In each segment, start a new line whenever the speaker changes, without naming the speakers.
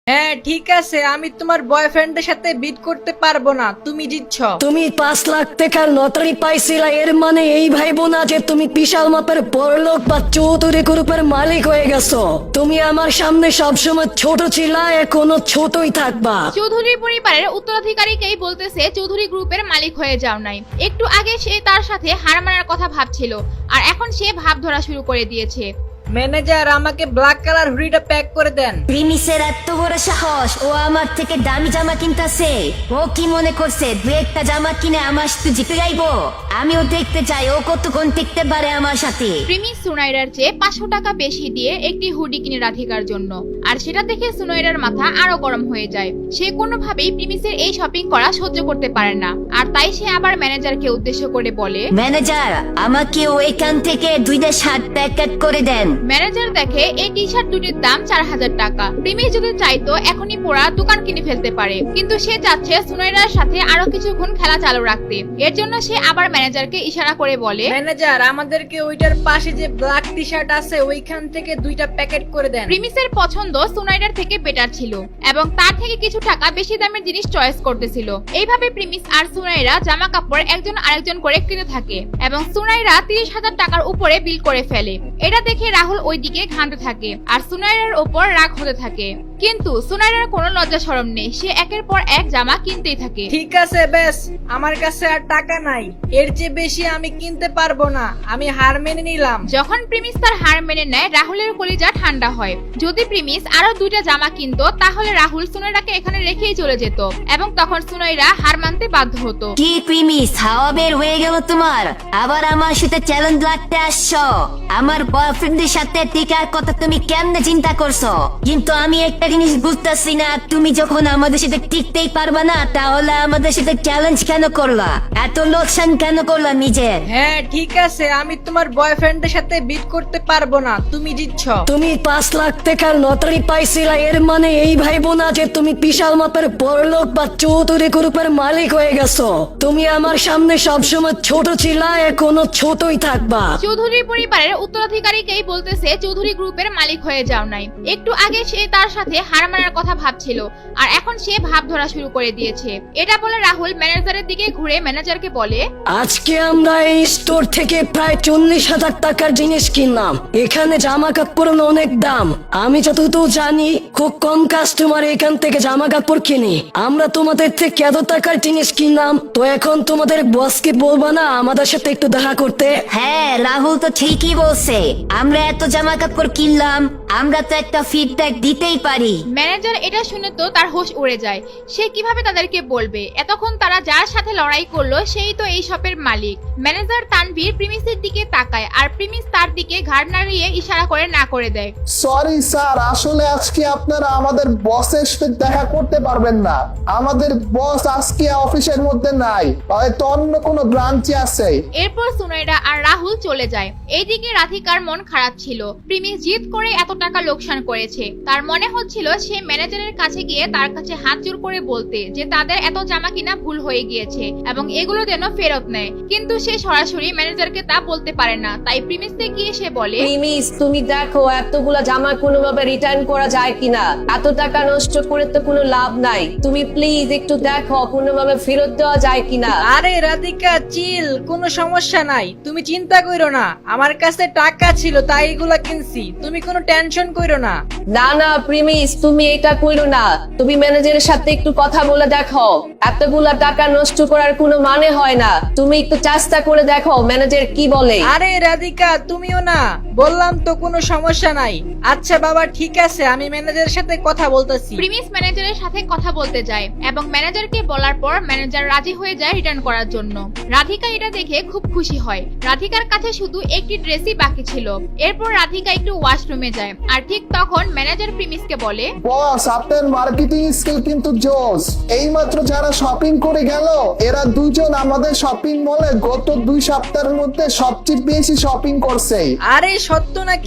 হ্যাঁ ঠিক আছে, আমি তোমার বয়ফ্রেন্ডের সাথে বিট করতে পারবো না, তুমি জিতছ।
তুমি 5 লাখ টাকার লটারি পাইছিলা, এর মানে এই ভাইবো না যে তুমি বিশাল মাপের বড়লোক বা চৌধুরী গ্রুপের মালিক হয়ে গেছো। তুমি আমার সামনে সবসময় ছোট ছিলা, এখনো ছোটই থাকবা।
চৌধুরী পরিবারের উত্তরাধিকারীকেই বলতেছে চৌধুরী গ্রুপের মালিক হয়ে যাও নাই। একটু আগে সে তার সাথে হার মানার কথা ভাবছিল, আর এখন সে ভাব ধরা শুরু করে দিয়েছে।
ম্যানেজার, আমাকে ব্ল্যাক কালার হুডিটা প্যাক করে দেন।
প্রিমিসের এত বড় সাহস, ও আমার থেকে দামি জামা কিনতেছে। ও কি মনে করছে দু একটা জামা কিনে আমার সাথে জিতে যাইবো? আমিও দেখতে চাই ও কতক্ষণ টিকতে পারে আমার সাথে।
প্রিমিস সুনাইরার চেয়ে 500 টাকা বেশি দিয়ে একটি হুডি কিনে রাধিকার জন্য, আর সেটা দেখে সুনাইরার মাথা আরো গরম হয়ে যায়। সে কোনোভাবেই প্রিমিসের এই শপিং করা সহ্য করতে পারে না, আর তাই সে আবার ম্যানেজারকে উদ্দেশ্য করে বলে,
ম্যানেজার, আমাকে ওইখান থেকে 2টা শার্ট প্যাকেট করে দেন।
ম্যানেজার দেখে এই টি শার্ট দুটির দাম 4000 টাকা। প্রিমিস যদি চাইতো এখনই পুরা দোকান কিনে ফেলতে পারে, কিন্তু সে চাচ্ছে সুনাইরার সাথে আরো কিছুক্ষণ খেলা চালু রাখতে। এর জন্য সে আবার ম্যানেজারকে ইশারা করে বলে,
ম্যানেজার, আমাদেরকে ওইটার পাশে যে ব্ল্যাক টি শার্ট আছে ওইখান থেকে 2টা প্যাকেট করে দেন।
প্রিমিসের পছন্দ সুনাইরার থেকে বেটার ছিল এবং তার থেকে কিছু টাকা বেশি দামের জিনিস চয়েস করতেছিল। এইভাবে প্রিমিস আর সুনাইরা জামা কাপড় একজন আরেকজন করে কিনতে থাকে এবং সুনাইরা 30,000 টাকার উপরে বিল করে ফেলে। এটা দেখে রাহুল ওইদিকে ঘামতে থাকে আর সুনাইরার উপর রাগ হতে থাকে, কিন্তু সুনাইরার কোনো লজ্জা শরম নেই। সে একের পর এক জামা কিনতেই থাকে।
ঠিক আছে বেশ, আমার কাছে আর টাকা নাই, এর চেয়ে বেশি আমি কিনতে পারবো না, আমি হার মেনে নিলাম।
যখন প্রিমিস তার হার মেনে নেয়, রাহুলের কলিজা ঠান্ডা হয়। যদি প্রিমিস আরো 2টা জামা কিনতো তাহলে রাহুল সুনাইরাকে এখানে রেখেই চলে যেত এবং তখন সুনাইরা হার মানতে বাধ্য হতো।
কি প্রিমিস, হাওয়া বের হয়ে গেল তোমার? আবার আমার সাথে চ্যালেঞ্জ লাগতে আসছো? আমার বয়ফ্রেন্ডের সাথে টিকার কথা তুমি কেমনে চিন্তা করছো? কিন্তু আমি একটা জিনিস বুঝতেছি না, তুমি যখন আমাদের সাথে টিকতেই পারবা না তাহলে আমাদের সাথে চ্যালেঞ্জ কেন করলা? এত লোকসান কেন করলা নিজের?
হ্যাঁ ঠিক আছে, আমি তোমার বয়ফ্রেন্ডের সাথে বিট করতে পারবো না, তুমি জিতছ।
তুমি 5 লাখ টাকার লটারি পাইছিলা, এর মানে এই ভাইবো না যে তুমি বিশাল মাপের বড়লোক বা চৌধুরী গ্রুপের মালিক হয়ে গেছো। তুমি আমার সামনে সবসময় ছোট ছিলা, এখনো ছোটই থাকবা।
চৌধুরী পরিবারের উত্তরাধিকারীকেই বলতেছে চৌধুরী গ্রুপের মালিক হয়ে যাও নাই। একটু আগে সে তার সাথে হার মানার কথা ভাবছিল, আর এখন সে ভাব ধরা শুরু করে দিয়েছে। এটা বলে রাহুল ম্যানেজারের দিকে ঘুরে ম্যানেজারকে বলে,
আজকে আমরা এই স্টোর থেকে প্রায় 40,000 টাকার জিনিস কিনলাম। এখানে জামা কাপড়ের অনেক দাম। আমি যতদূর জানি খুব কম কাস্টমার এখান থেকে জামা কাপড় কিনে। আমরা তোমাদের থেকে এত টাকার জিনিস কিনলাম, তো এখন তোমাদের বসকে বলবা না আমাদের সাথে একটু দেখা করতে?
হ্যাঁ, রাহুল তো ঠিকই বলছে। আমরা এত জামা কাপড় কিনলাম, আমরা তো একটা ফিডব্যাক দিতেই পারি।
ম্যানেজার এটা শুনে তো তার হোশ উড়ে যায়। সে কিভাবে তাদেরকে বলবে? এতক্ষণ তারা যার সাথে লড়াই করলো সেই তো এই শপের মালিক। ম্যানেজার তানভীর প্রিমিসের দিকে তাকায় আর প্রিমিস তার দিকে ঘাড় নাড়িয়ে ইশারা করে না করে দেয়।
সরি স্যার, আসলে আজকে আপনারা আমাদের বসের সাথে দেখা করতে পারবেন না। আমাদের বস আজকে অফিসের মধ্যে নাই, হয়তো অন্য কোনো ব্রাঞ্চে আছে।
এরপর সুনাইরা আর রাহুল চলে যায়। এইদিকে রাধিকার মন খারাপ ছিল। প্রিমিস জিদ করে এত টাকা লোকসান করেছে। তার মনে হচ্ছিল সে ম্যানেজারের কাছে গিয়ে তার কাছে হাত জোর করে বলতে যে তাদের এত জামা কিনা ভুল হয়ে গিয়েছে এবং এগুলো যেন ফেরত নেয়, কিন্তু সে সরাসরি ম্যানেজারকে তা বলতে পারে না। তাই প্রিমিসকে গিয়ে সে বলে,
প্রিমিস, তুমি দেখো এতগুলা জামা কোনোভাবে রিটার্ন করা যায় কিনা। এত টাকা নষ্ট করে তো কোনো লাভ নাই। তুমি প্লিজ একটু দেখো কোনোভাবে ফেরত দেওয়া যায় কিনা।
আরে রাধিকা চিল, কোনো সমস্যা নাই, তুমি চিন্তা কইরো না, আমার কাছে টাকা ছিল তাই এগুলা কিনছি, তুমি কোনো টেনশন কইরো না।
না না প্রিমিস, তুমি এটা কইরো না। তুমি ম্যানেজারের সাথে একটু কথা বলে দেখো। এতগুলা টাকা নষ্ট করার কোনো মানে হয় না। তুমি একটু চেষ্টা করে দেখো ম্যানেজার কি বলে।
আরে রাধিকা তুমিও না, বললাম তো কোনো সমস্যা নাই। আচ্ছা বাবা ঠিক আছে, আমি ম্যানেজারের সাথে কথা বলতেছি।
প্রিমিস ম্যানেজারের সাথে কথা বলতে যায় এবং ম্যানেজারকে বলার পর ম্যানেজার রাজি হয়ে যায় রিটার্ন করার জন্য। রাধিকা এটা দেখে খুব খুশি হয়। রাধিকার কাছে শুধু একটি ড্রেসই বাকি ছিল। এরপর রাধিকা একটু ওয়াশরুমে যায় আর ঠিক তখন ম্যানেজার প্রিমিসকে বলে,
বস, আপনার মার্কেটিং স্কিল কিন্তু জোস। এইমাত্র যারা শপিং করে গেল এরা দুজন আমাদের শপিং মলে গত 2 সপ্তাহের মধ্যে সবচেয়ে বেশি শপিং করছে।
আরে সত্য নাকি?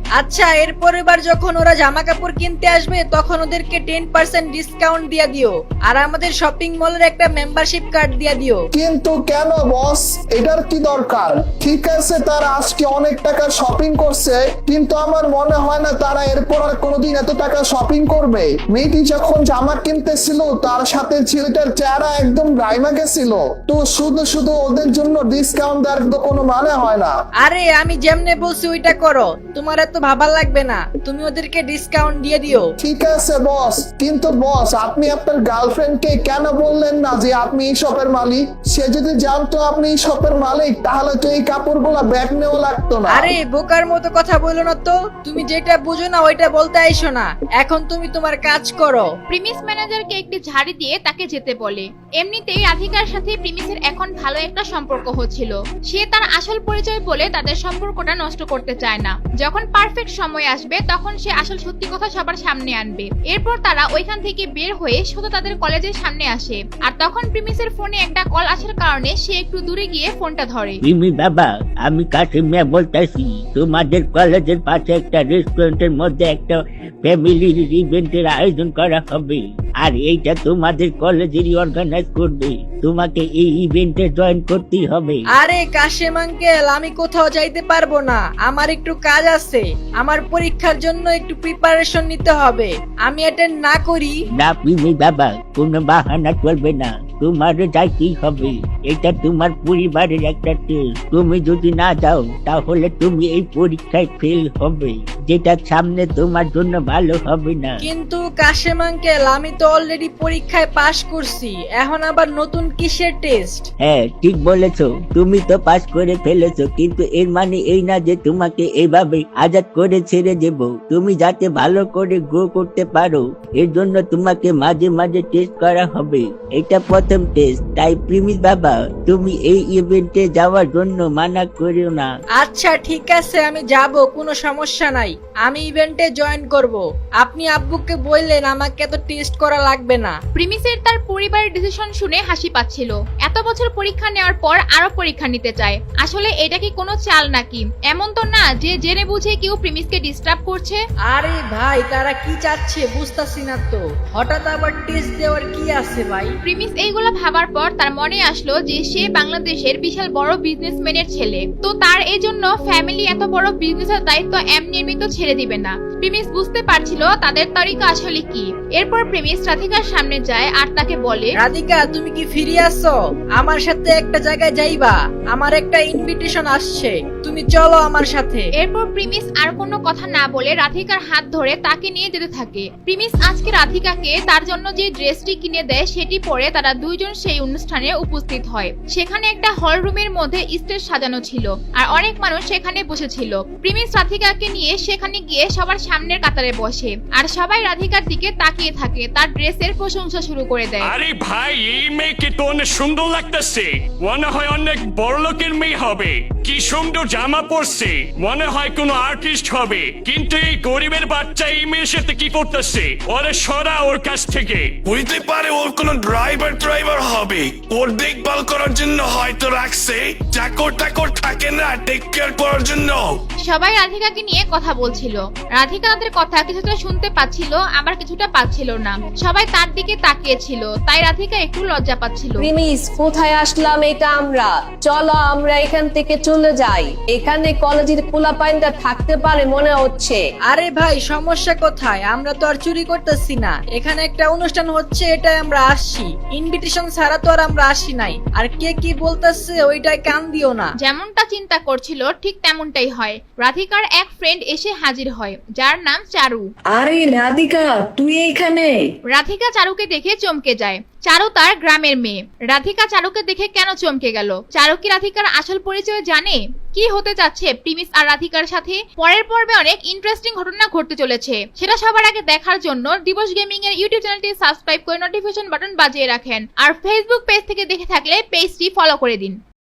আচ্ছা, এরপর এবার যখন ওরা জামা কাপড় কিনতে আসবে তখন ওদেরকে 10% ডিসকাউন্ট দিয়ে দিও, আর আমাদের শপিং মলের একটা মেম্বারশিপ কার্ড দিয়ে দিও।
কিন্তু কেন বস, এটার কি দরকার? ঠিক আছে, তারা আজকে অনেক টাকা শপিং করছে, কিন্তু আমার মনে হয় না তারা এরপর আর কোনোদিন এত টাকা শপিং করবে। মেয়েটি যখন জামা কিনতেছিল তার সাথে ছেলেটার চেহারা একদম গাইমা গেছিল, তো শুধু শুধু ওদের জন্য ডিসকাউন্ট দেওয়ার তো কোনো মানে হয় না।
আরে আমি যেমনে বলছি ওইটা করো, তোমার এত ভাবা লাগবে না, তুমি ওদেরকে ডিসকাউন্ট দিয়ে দিও।
ঠিক আছে বস, কিন্তু বস আপনি আপনার গার্লফ্রেন্ডকে কেন বললেন না যে আপনি এই শপের মালিক? সে যদি জানতো আপনি এই শপের মালিক তাহলে তো এই কাপড়গুলো ব্যাগ নেওয়া লাগতো না।
আরে বোকার মতো কথা বলো না তো, তুমি যেটা বুঝো না ওইটা বলতে আইসো না। এখন তুমি তোমার কাজ করো।
প্রিমিস ম্যানেজারকে একটি ঝাড়ি দিয়ে তাকে যেতে বলে। এমনিতেই রাধিকার সাথে প্রিমিসের এখন ভালো একটা সম্পর্ক হচ্ছিল। সে তার আসল পরিচয় বলে তাদের সম্পর্কটা নষ্ট করতে চায় না। যখন পারফেক্ট সময় আসবে তখন সে আসল সত্যি কথা সবার সামনে আনবে। এরপর তারা ওইখান থেকে বের হয়ে শুধু তাদের কলেজের সামনে আসে, আর তখন প্রিমিসের ফোনে একটা কল আসার কারণে সে একটু দূরে গিয়ে ফোনটা ধরে।
মিমি বাবা, আমি কাশিম মিয়া বলতেছি। তোমাদের কলেজের পাশে একটা রেস্টুরেন্টের মধ্যে একটা ফ্যামিলি ইভেন্টের আয়োজন করা হবে, আর এইটা তোমাদের কলেজেরই অর্গানাইজ করবে। তোমাকে এই ইভেন্টে জয়েন করতেই হবে।
আরে কাশেম আঙ্কেল, আমি কোথাও যাইতে পারবো না, আমার একটু কাজ আছে। আমার পরীক্ষার জন্য একটু প্রিপারেশন নিতে হবে, আমি অ্যাটেন্ড না করি।
না মিমি বাবা, কোনো বাহানা চলবে না, তোমার যাইতেই হবে। এটা তোমার পরিবারের একটা টেস্ট। তুমি যদি না যাও তাহলে তুমি এই পরীক্ষায় ফেল হবে, যেটা সামনে তোমার জন্য ভালো হবে না।
কিন্তু কাশেম আঙ্কেল, আমি তো অলরেডি পরীক্ষায় পাশ করছি, এখন আবার নতুন কিসের টেস্ট?
হ্যাঁ ঠিক বলেছো, তুমি তো পাস করে ফেলেছো, কিন্তু এর মানে এই না যে তোমাকে এইভাবে আজাদ করে ছেড়ে দেব। তুমি যাতে ভালো করে গ্রো করতে পারো এর জন্য তোমাকে মাঝে মাঝে টেস্ট করা হবে। এটা প্রথম টেস্ট, তাই প্রিমিস বাবা তুমি এই ইভেন্টে যাওয়ার জন্য মানা করিও না।
আচ্ছা ঠিক আছে, আমি যাব, কোনো সমস্যা নাই, আমি ইভেন্টে জয়েন করব। আপনি আব্বুকে বললেন আমাকে এত টেস্ট করা লাগবে না।
প্রিমিসের তার পরিবারের ডিসিশন শুনে হাসি পাচ্ছিল। এত বছর পরীক্ষা নেওয়ার পর আরো পরীক্ষা নিতে চায়। আসলে এটা কি কোনো চাল নাকি? এমন তো না যে জেনে বুঝে কেউ প্রিমিসকে ডিস্টার্ব করছে।
আরে ভাই, তারা কি চাচ্ছে বুঝতাছি না তো, হঠাৎ আবার টেস্ট দেওয়ার কি আছে ভাই?
প্রিমিস এইগুলো ভাবার পর তার মনে আসলো যে সে বাংলাদেশের বিশাল বড় বিজনেসম্যানের ছেলে, তো তার এই জন্য ফ্যামিলি এত বড় বিজনেসের দায়িত্ব এমনি এমনি তো ছেড়ে দিবে না। প্রিমিস বুঝতে পারছিল তাদের তরিকা আসলে কি। এরপর প্রিমিস রাধিকার সামনে যায় আর তাকে বলে,
রাধিকা তুমি কি ফিরে আসছো? আমার সাথে একটা জায়গায় যাইবা, আমার একটা ইনভিটেশন আসছে, তুমি চলো আমার সাথে।
এরপর প্রিমিস আর কোনো কথা না বলে রাধিকার হাত ধরে তাকে নিয়ে যেতে থাকে। প্রিমিস আজকে রাধিকাকে তার জন্য যে ড্রেসটি কিনে দেয় সেটি পরে তারা দুইজন সেই অনুষ্ঠানে উপস্থিত হয়। সেখানে একটা হল রুমের মধ্যে স্টেজ সাজানো ছিল আর অনেক মানুষ সেখানে বসেছিল। প্রিমিস রাধিকাকে নিয়ে সেখানে গিয়ে সবার সামনের কাতারে বসে আর সবাই রাধিকার দিকে তাকিয়ে থাকে, তার ড্রেসের প্রশংসা শুরু করে দেয়।
আরে ভাই, এই মেয়েকে তো অনেক সুন্দর লাগতেছে, মনে হয় অনেক বড় লোকের মেয়ে হবে। কি সুন্দর জামা পরছে, মনে হয় কোনো আর্টিস্ট হবে। কিন্তু এই গরিবের বাচ্চা এই মেয়ের সাথে কি করতেছে? ওরে সরা ওর কাছ থেকে।
হইতে পারে ওর কোনো ড্রাইভার হবে, ওর দেখভাল করার জন্য হয়তো রাখছে। চাকর টাকর থাকে না টেক কেয়ার করার জন্য।
সবাই রাধিকাকে নিয়ে কথা বলছিল। রাধিকা তাদের কথা কিছুটা শুনতে পাচ্ছিল, আবার কিছুটা পাচ্ছিল না। সবাই তার দিকে তাকিয়েছিল, তাই রাধিকা একটু লজ্জা পাচ্ছিল।
প্রিমিস, কোথায় আসলাম এটা আমরা? চলো আমরা এখান থেকে চলে যাই, এখানে কলেজের পোলাপাইনটা থাকতে পারে মনে হচ্ছে।
আরে ভাই, সমস্যা কোথায়? আমরা তো আর চুরি করতেছি না, এখানে একটা অনুষ্ঠান হচ্ছে, এটাই আমরা আসছি। ইনভিটেশন ছাড়া তো আর আমরা আসি নাই। আর কে কি বলতেছে ওইটাই কান দিও না।
যেমনটা চিন্তা করছিল ঠিক তেমনটাই হয়। রাধিকার এক ফ্রেন্ড এসে হাজির হয়, যার নাম চারু।
আরে রাধিকা, তুই এইখানে?
রাধিকা চারুকে দেখে চমকে যায়। চারু তার গ্রামের মেয়ে। রাধিকা চারুকে দেখে কেন চমকে গেল? চারু কি রাধিকার আসল পরিচয় জানে? কি হতে যাচ্ছে প্রিমিস আর রাধিকার সাথে? পরের পর্বে অনেক ইন্টারেস্টিং ঘটনা ঘটতে চলেছে, সেটা সবার আগে দেখার জন্য দিবস গেমিং এর ইউটিউব চ্যানেলটি সাবস্ক্রাইব করে নোটিফিকেশন বাটন বাজিয়ে রাখেন। আর ফেসবুক পেজ থেকে দেখে থাকলে পেজটি ফলো করে দিন।